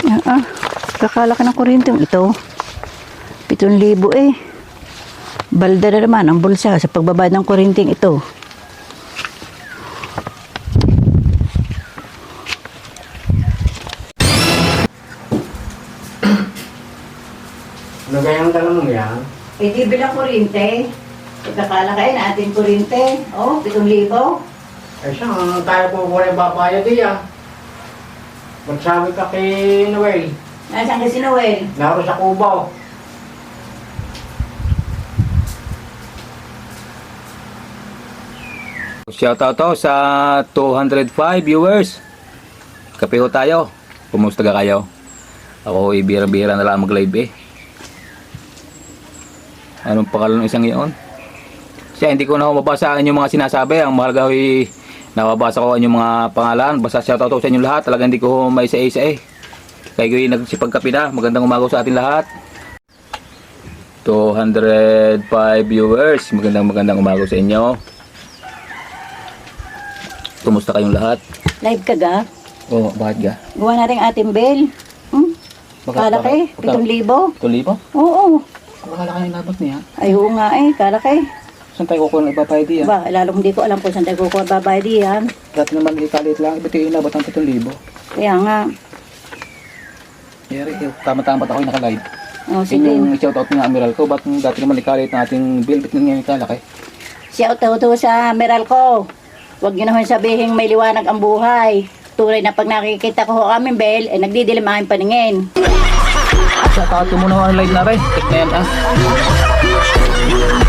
Kakalaki ng kuryente ito. 7,000 eh. Balda na naman ang bulsa sa pagbabayad ng kuryenteng ito. Ano kaya ang tanong mo yan? Eh di bilang kuryente. Kakalaki na ating kuryente. Oh, 7,000. Eh siya, tayo po po rin papayad diyan. Magsabi ka kay Noel. Nasaan ka si Noel? Laro sa Cubao. Shoutout to sa 205 viewers. Kape ho tayo. Kumusta ka kayo? Ako ibira-bira na lang mag-live eh. Anong pangalan ng isang iyon? Siya, hindi ko na mabasa ang inyong mga sinasabi. Ang mahalaga ay nababasa ko ang inyong mga pangalan. Basta shoutout to sa inyong lahat. Talagang hindi ko maisa-isa eh. Kaya ko yung nagsipagkape na. Magandang umaga sa ating lahat. 205 viewers. Magandang umaga sa inyo. Kumusta kayong lahat? Live ka ga? Oo, bakit ga? Gawa na rin ating bell. Kalaki, 7,000. 7,000? Oo. Makalaki yung labas niya. Ay, oo nga eh, kalaki. Saan tayo kukuha ng ipapayad yan? Ba, lalong hindi ko alam kung saan tayo kukuha babayad yan. Dati naman ikalit lang. Ba't yung inabot ng 7,000? Kaya nga. Yari, tama-tama ako yung naka-live. Oh, sige. Yung shoutout ng Amiral ko, ba't dati naman ikalit ng ating bill? Ba't ngayon ikalaki? Shout out to sa Meralco. Huwag nyo naman sabihin may liwanag ang buhay. Tunay na pag nakikita ko aming bell, eh nagdidilim aking paningin. Shoutout ko muna ang live na rin. Tek na yan ah.